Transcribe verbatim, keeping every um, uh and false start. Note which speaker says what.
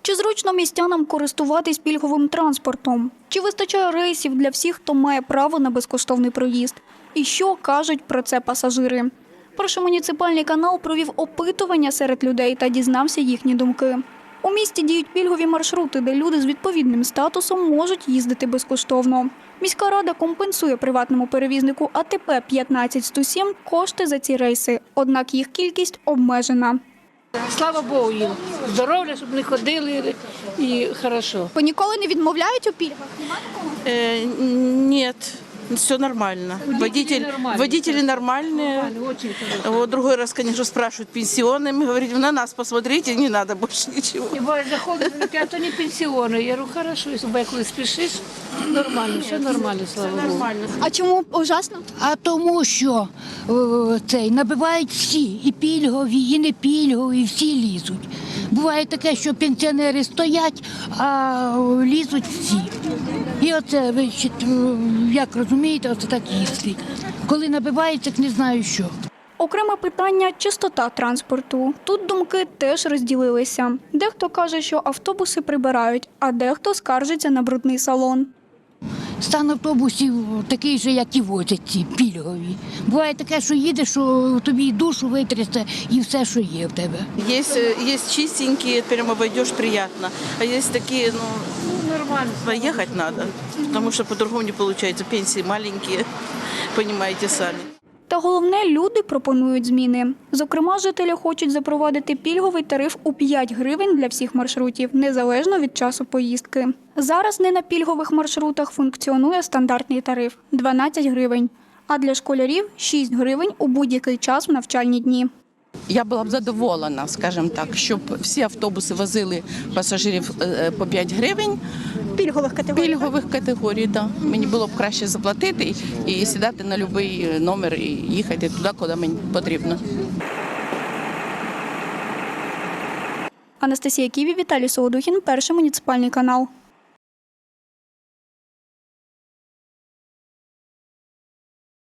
Speaker 1: Чи зручно містянам користуватись пільговим транспортом? Чи вистачає рейсів для всіх, хто має право на безкоштовний проїзд? І що кажуть про це пасажири? Перший муніципальний канал провів опитування серед людей та дізнався їхні думки. У місті діють пільгові маршрути, де люди з відповідним статусом можуть їздити безкоштовно. Міська рада компенсує приватному перевізнику А Т П п'ятнадцять сто сім кошти за ці рейси, однак їх кількість обмежена.
Speaker 2: Слава Богу їм. Здоров'я, щоб не ходили і хорошо.
Speaker 1: Ви ніколи не відмовляють у пільгах?
Speaker 3: Э, нет, все нормально. Водитель,
Speaker 2: нормальные.
Speaker 3: водители нормальные.
Speaker 2: Очень хорошо.
Speaker 3: Вот другой раз, конечно, спрашивают пенсионными, говорит, на нас посмотрите, не надо больше ничего.
Speaker 2: І бо заходить, а то не пенсіони. Я говорю, хорошо, якщо коли спішиш, нормально, все нормально, слава Богу.
Speaker 3: Нормально.
Speaker 1: А чому ужасно?
Speaker 4: А тому, що о, цей набивають всі, і пільгові, і не пільгові, всі лізуть. Буває таке, що пенсіонери стоять, а лізуть всі. І оце, ви ще, як розумієте, оце так їздить. Коли набивається, не знаю що.
Speaker 1: Окреме питання – чистота транспорту. Тут думки теж розділилися. Дехто каже, що автобуси прибирають, а дехто скаржиться на брудний салон.
Speaker 4: Стан автобусів такий же, як і возять ці пільгові. Буває таке, що їдеш, що тобі і душу витрясти, і все, що є в тебе.
Speaker 3: Есть, э, есть чистенькие, прямо обойдешь приятно. А есть такие, ну,
Speaker 2: Нормально.
Speaker 3: поехать надо, потому что по-другому не получается. Пенсии маленькие, понимаете сами.
Speaker 1: Та головне, люди пропонують зміни. Зокрема, жителі хочуть запровадити пільговий тариф у п'ять гривень для всіх маршрутів, незалежно від часу поїздки. Зараз не на пільгових маршрутах функціонує стандартний тариф – дванадцять гривень, а для школярів – шість гривень у будь-який час в навчальні дні.
Speaker 5: Я була б задоволена, скажімо так, щоб всі автобуси возили пасажирів е, по п'ять гривень.
Speaker 6: Пільгових категорій.
Speaker 5: Пільгових категорій, да. Мені було б краще заплатити і, і сідати на будь-який номер і їхати туди, куди мені потрібно.
Speaker 1: Анастасія Ківі, Віталій Солодухін, Перший муніципальний канал.